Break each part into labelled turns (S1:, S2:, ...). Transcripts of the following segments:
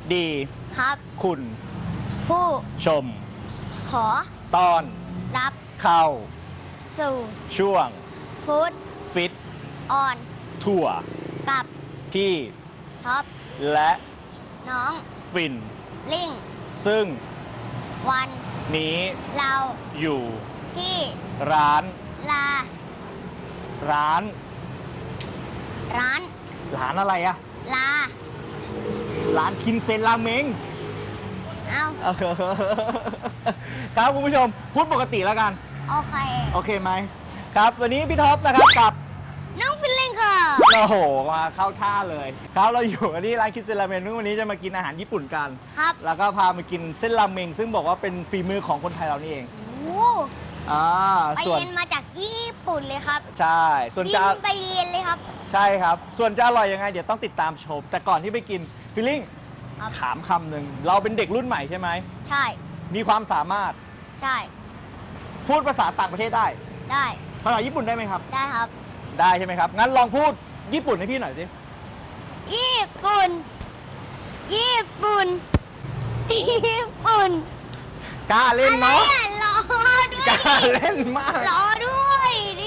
S1: ดี
S2: ครับ
S1: คุณ
S2: ผู้
S1: ชม
S2: ขอ
S1: ต้อน
S2: รับ
S1: เข้า
S2: สู่
S1: ช่วง
S2: ฟู้ด
S1: ฟิต
S2: ออน
S1: ทั่ว
S2: กับ
S1: พี่
S2: ท็อป
S1: และ
S2: น้อง
S1: ฟิน
S2: ลิง
S1: ซึ่ง
S2: วัน
S1: นี้
S2: เรา
S1: อยู่
S2: ที่
S1: ร้าน
S2: ลา
S1: ร้าน
S2: ร้าน
S1: ร้านอะไรอะ
S2: ลา
S1: ร้านคินเซนราเมง
S2: เอา
S1: ครับคุณผู้ชมพูดปกติแล้วกัน
S2: โอเค
S1: โอเคไหมครับวันนี้พี่ท็อปนะครับกับ
S2: น้องฟิลลิงค่ะ
S1: โอ้โหมาเข้าท่าเลยครับเราอยู่กันที่ร้านคินเซนราเมงวันนี้จะมากินอาหารญี่ปุ่นกัน
S2: ครับ
S1: แล้วก็พามากินเส้นราเมงซึ่งบอกว่าเป็นฝีมือของคนไทยเรานี่เอง
S2: โอ้ ไป
S1: ส่วน
S2: เรียนมาจากญี่ปุ่นเลยครับ
S1: ใช่ส่วน
S2: บิ
S1: จะ
S2: นไปเรียนเลยครับ
S1: ใช่ครับ ส่วนจะอร่อยยังไงเดี๋ยวต้องติดตามชม แต่ก่อนที่ไปกินฟิลลิ่ง
S2: ครับ
S1: ถามคำหนึ่งเราเป็นเด็กรุ่นใหม่ใช่ไหม
S2: ใช่
S1: มีความสามารถ
S2: ใช่
S1: พูดภาษาต่างประเทศได้
S2: ได้
S1: ภาษาญี่ปุ่นได้ไหมครับ
S2: ได้ครับ
S1: ได้ใช่ไหมครับงั้นลองพูดญี่ปุ่นให้พี่หน่อยสิ
S2: ญี่ปุ่น ญี่ปุ่น ญี่ปุ่น
S1: กล้าเล่น
S2: อะไร
S1: เนาะ
S2: อ่ะรอด้วย
S1: กล้าเล่นมาก
S2: รอด้วยดิ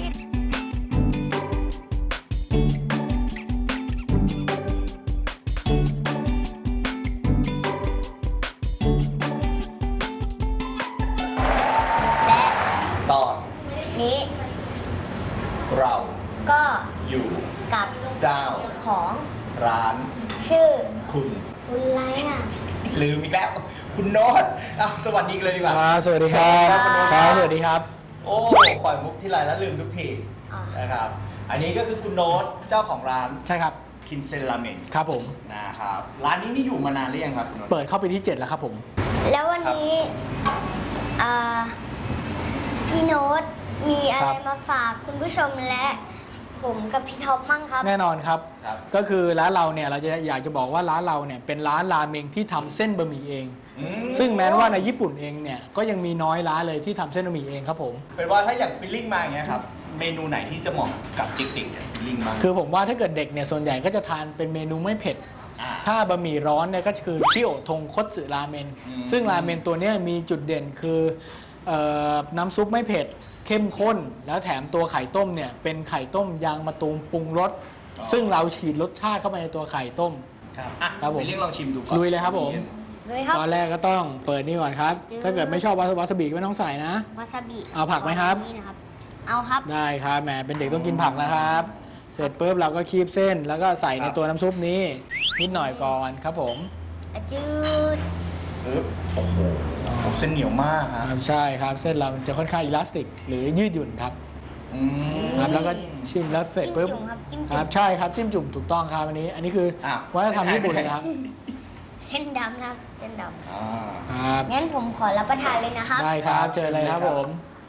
S2: และ
S1: ตอน
S2: นี้
S1: เรา
S2: ก็
S1: อยู่
S2: กับ
S1: เจ้า
S2: ของ
S1: ร้าน
S2: ชื่อ
S1: คุณ
S2: คุณไรอ่ะ
S1: ลืมอีกแล้ว คุณโน้ตสวัสดีกันเลยดีกว่า
S3: สวัสดีครับ
S2: ครับ
S3: สวัสดีครับ
S1: โอ้ปล่อยมุกที่ไรแล้วลืมทุกที
S2: อ่าน
S1: นะครับ อันนี้ก็คือคุณโน้ตเจ้าของร้าน
S3: ใช่ครับ
S1: คินเซนราเมง
S3: ครับผม
S1: นะครับร้านนี้นี่อยู่มานานหรือยังครับคุณโน้ต
S3: เปิดเข้าไปที่ 7 แล้วครับผม
S2: แล้ววันนี้อ่าพี่โน้ตมีอะไร
S3: ครับ
S2: มาฝากคุณผู้ชมและ ผมกับพี่ท็อปมั่งครับ
S3: แน่นอนครับ
S1: ครับ
S3: ก็คือร้านเราเนี่ยเราจะอยากจะบอกว่าร้านเราเนี่ยเป็นร้านราเมงที่ทำเส้นบะหมี่เอง
S1: อืม
S3: ซึ่งแม้ว่าในญี่ปุ่นเองเนี่ยก็ยังมีน้อยร้านเลยที่ทำเส้นบะหมี่เองครับผม
S1: เป็นว่าถ้าอย่างฟิลลิ่งมาอย่างเงี้ยครับ เมนูไหนที่จะเหมาะกับเด็กๆเนี่ยฟิลลิ่งบ้าง
S3: คือผมว่าถ้าเกิดเด็กเนี่ยส่วนใหญ่ก็จะทานเป็นเมนูไม่เผ็ด
S1: อ่า
S3: ถ้าบะหมี่ร้อนเนี่ยก็คือชิโอทงคตสึราเมน
S1: อืม
S3: ซึ่งราเมนตัวเนี้ยมีจุดเด่นคือน้ำซุปไม่เผ็ดเข้มข้น แล้วแถมตัวไข่ต้มเนี่ยเป็นไข่ต้มยางมะตูมปรุงรสซึ่งเราฉีดรสชาติเข้าไปในตัวไข่ต้ม
S1: ครับอ่ะ
S3: ครับผม
S1: ฟิลลิ่งลองชิมดูก่อน
S3: ลุยเลยครับผม
S2: เลยครับ
S3: ตอนแรกก็ต้องเปิดนี่ก่อนครับ ถ้าเกิดไม่ชอบวาซาบิก็ไม่ต้องใส่นะ
S2: วาซาบิ
S3: เอาผักไหมครับ
S2: นี่นะครับ เอาครับ
S3: ได้ครับแหมเป็นเด็กต้องกินผักนะครับ เสร็จปุ๊บเราก็คีบเส้นแล้วก็ใส่ในตัวน้ำซุปนี้นิดหน่อยก่อนครับผม
S2: จืด
S1: ปึ๊บโอ้โหเส้นเหนียวมากฮะ
S3: ใช่ครับเส้นเรามันจะค่อนข้างอิลาสติก หรือยืดหยุ่นครับ
S1: อืม
S3: ครับแล้วก็ชิมแล้วเสร็จ
S2: จิ้ม
S3: ปุ๊บ
S2: จุ่มครับจิ้ม
S3: ค
S2: จุ่
S3: รั
S2: ม
S3: บใช่ครับจิ้มจุ่มถูกต้องครับอันนี้คือ
S1: อ้าว
S3: วัฒนธรรมญี่ปุ่นนะครับ
S2: เส้นดำนะครับเส้นด
S1: อ่า
S3: ครับ
S2: ำงั้นผมขอรับประทานเลยนะครับ
S3: ได้ครับเจอเลยครับผม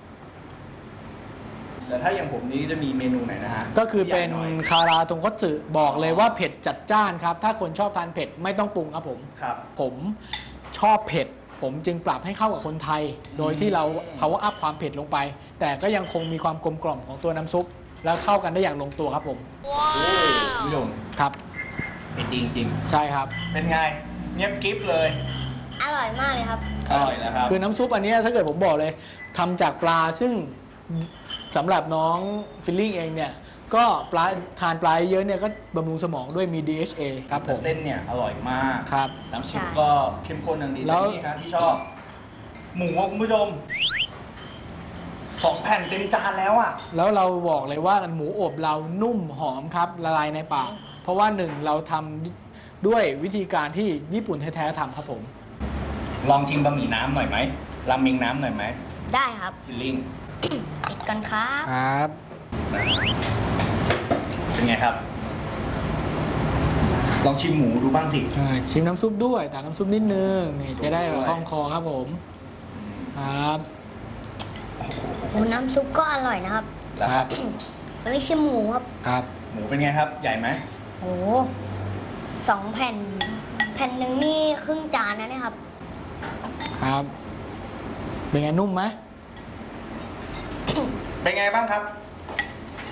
S1: แต่ถ้าอย่างผมนี้จะมีเมนูไหนนะฮะ
S3: ก็คือเป็น
S1: ใหญ่หน่อย
S3: คาราตงคัตสึบอกเลยว่าเผ็ดจัดจ้านครับ ถ้าคนชอบทานเผ็ดไม่ต้องปรุงครับผม
S1: ครับ
S3: ผมชอบเผ็ด ผมจึงปรับให้เข้ากับคนไทย โดยที่เรา power up ความเผ็ดลงไป แต่ก็ยังคงมีความกลมกล่อมของตัวน้ำซุป แล้วเข้ากันได้อย่างลงตัวครับผม
S1: โอ้คุณผู้ชม
S3: ครับ
S1: เผ็ดดีจริง
S3: ใช่ครับ
S1: ๆเป็นไงเงียบกริฟเลย
S2: อร่อยมากเลยครับ
S1: อร่อยแล้วครับ
S3: คือน้ำซุปอันเนี้ยถ้าเกิดผมบอกเลยทำจากปลาซึ่งสำหรับน้องฟิลลิ่งเองเนี่ยก็ปลาทานปลาเยอะเนี่ยก็บำรุงสมองด้วยมี DHA ครับผ
S1: แต่
S3: ม
S1: เส้นเนี่ยอร่อยมาก
S3: ครับ
S1: น้ำซุป
S2: ใช่
S1: ก็เข้มข้นอย่างดี
S3: แล้
S1: แต่
S3: ว
S1: นี่ฮะที่ชอบ หมูอะคุณผู้ชม2 แผ่นเต็มจานแล้วอ่ะ
S3: แล้วเราบอกเลยว่าหมูอบเรานุ่มหอมครับละลายในปาก เพราะว่าหนึ่งเราทำด้วยวิธีการที่ญี่ปุ่นแท้ๆทำครับผม
S1: ลองชิมบะหมี่น้ำหน่อยไหมราเมงน้ำหน่อยไหม
S2: ได้ครับ
S1: ฟิลลิ่ง
S2: ปิดกันครับ
S3: ครับ
S1: เป็นไงครับ ลองชิมหมูดูบ้างสิ
S3: ชิมน้ำซุปด้วยแต่น้ำซุปนิดนึงนี่จะได้แบบคล่องคอครับผมครับ
S2: โอ้น้ำซุปก็อร่อยนะครับ
S1: แล้วครับ
S2: มันไม่ใช่หมูครับ
S3: ครับ
S1: หมูเป็นไงครับ ใหญ่ไหม
S2: โอ้2 แผ่น แผ่นหนึ่งนี่ครึ่งจานนะเนี่ยครับ
S3: ครับ เป็นไงนุ่มไหม
S1: เป็นไงบ้างครับ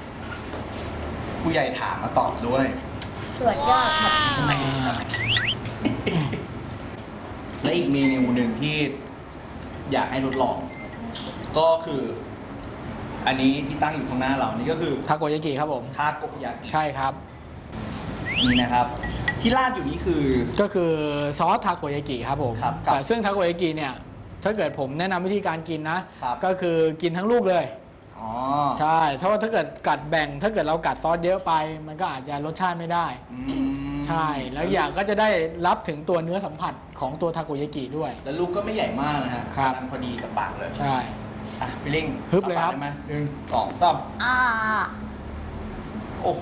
S1: ผู้ใหญ่ถามมาตอบด้วย
S2: สวดยอดครับ
S3: อ่า
S1: และอีกเมนูหนึ่งที่อยากให้ทดลอง ก็คือ อันนี้ที่ตั้งอยู่ข้างหน้าเรานี่ก็คือ
S3: ทาโกยากิครับผม
S1: ทาโกยากิ
S3: ใช่ครับ
S1: นี่นะครับ ที่ราดอยู่นี้คือ
S3: ก็คือซอสทาโกยากิครับผม
S1: ครับ
S3: แต่ซึ่งทาโกยากิเนี่ยถ้าเกิดผมแนะนำวิธีการกินนะ
S1: ครับ
S3: ก็คือกินทั้งลูกเลย
S1: อ๋อ
S3: ใช่ถ้าเกิดกัดแบ่ง ถ้าเกิดเรากัดซอสเยอะไป มันก็อาจจะรสชาติไม่ได้
S1: อืม
S3: ใช่ แล้วอย่างก็จะได้รับถึงตัวเนื้อสัมผัสของตัวทาโกยากิด้วย
S1: แล้วลูกก็ไม่ใหญ่มากนะฮะ
S3: ครับ
S1: กำลังพอดีกับปากเลย
S3: ใช่
S1: อ่ะพี่ลิง
S3: ฮึบเลยครับ
S1: อาปากได้ไหมหนึ่งสองสาม
S2: อ่า
S1: โอ้โห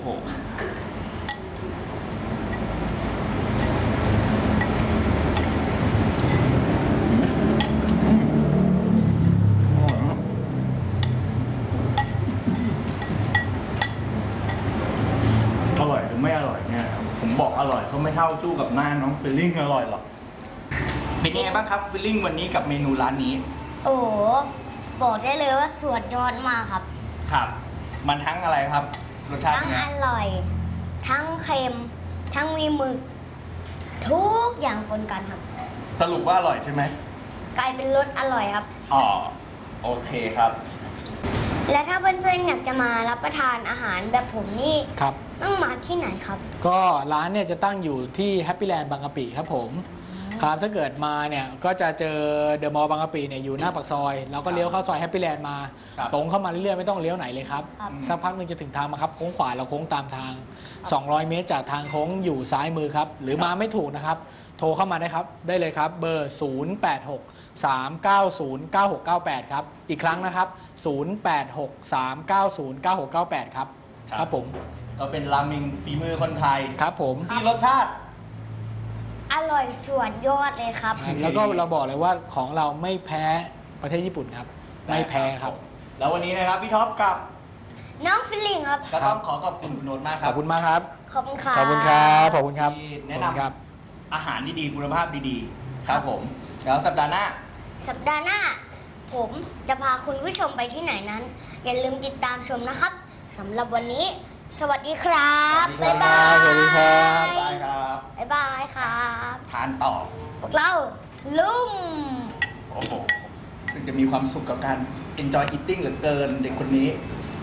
S1: อร่อยหรือไม่อร่อยเนี่ยครับผมบอกอร่อยเขาไม่เท่าสู้กับหน้าน้องฟิลลิ่งอร่อยหรอก เป็นยังไงบ้างครับฟิลลิ่งวันนี้กับเมนูร้านนี้
S2: โอ้โหบอกได้เลยว่าสุดยอดมากครับ
S1: ครับ มันทั้งอะไรครับ รสชาติ
S2: ทั้ง
S1: เป็นไง
S2: อร่อย ทั้งเค็ม ทั้งมีหมึก ทุกอย่างปนกันครับ
S1: สรุปว่าอร่อยใช่ไหม
S2: กลายเป็นรสอร่อยครับ
S1: อ๋อ โอเคครับ
S2: และถ้าเพื่อนๆอยากจะมารับประทานอาหารแบบผมนี่
S3: ครับ
S2: ต้องมาที่ไหนครับ
S3: ก็ร้านเนี่ยจะตั้งอยู่ที่แฮปปี้แลนด์บางกะปิครับผมครับถ้าเกิดมาเนี่ยก็จะเจอเดอะมอลล์บางกะปิเนี่ยอยู่หน้าปากซอยเราก็เลี้ยวเข้าซอยแฮปปี้แลนด์มา
S1: ครับ
S3: ตรงเข้ามาเรื่อยๆไม่ต้องเลี้ยวไหนเลยครับ
S2: ครับ
S3: สักพักหนึ่งจะถึงทางมาครับโค้งขวาเราโค้งตามทาง 200 เมตรจากทางโค้งอยู่ซ้ายมือครับหรือมาไม่ถูกนะครับโทรเข้ามาได้ครับได้เลยครับเบอร์ 086 390 9698 ครับอีกครั้งนะครับ 086 390 9698 ครับครับผม
S1: ก็เป็นราเมงฝีมือคนไทย
S3: ครับผม
S1: ที่รสชาติ
S2: อร่อยสุดยอดเลยครับ
S3: แล้วก็เราบอกเลยว่าของเราไม่แพ้ประเทศญี่ปุ่นครับ ไม่แพ้ครับ
S1: แล้ววันนี้นะครับพี่ท็อปกับ
S2: น้องฟิลลิ่งครับ
S1: ก็ต้องขอขอบคุณคุณโนตมากค
S3: ข
S1: รั
S3: อ
S1: บบ
S3: คุณมากครับ
S2: ขอบคุณครับ
S3: ขอบคุณครับขอบคุณครับ
S1: ที่
S3: ข
S1: แนะ
S3: อบ
S1: น
S3: คุณครับ
S1: ำอาหารดีๆคุณภาพดีๆ ครับผม แล้วสัปดาห์หน้า
S2: สัปดาห์หน้า ผมจะพาคุณผู้ชมไปที่ไหนนั้น อย่าลืมติดตามชมนะครับสำหรับวันนี้ สวัสดีครับ
S1: สวัสดี
S2: บ๊าย
S1: ครับ
S2: บาย
S3: สวัสดีครับ
S1: บ๊ายบายครับ
S2: บ๊ายบายครับ
S1: ทานต่อ
S2: พวกเราลุ่ม
S1: โอ้โห ซึ่งจะมีความสุขกับการ enjoy eating เหลือเกินเด็กคนนี้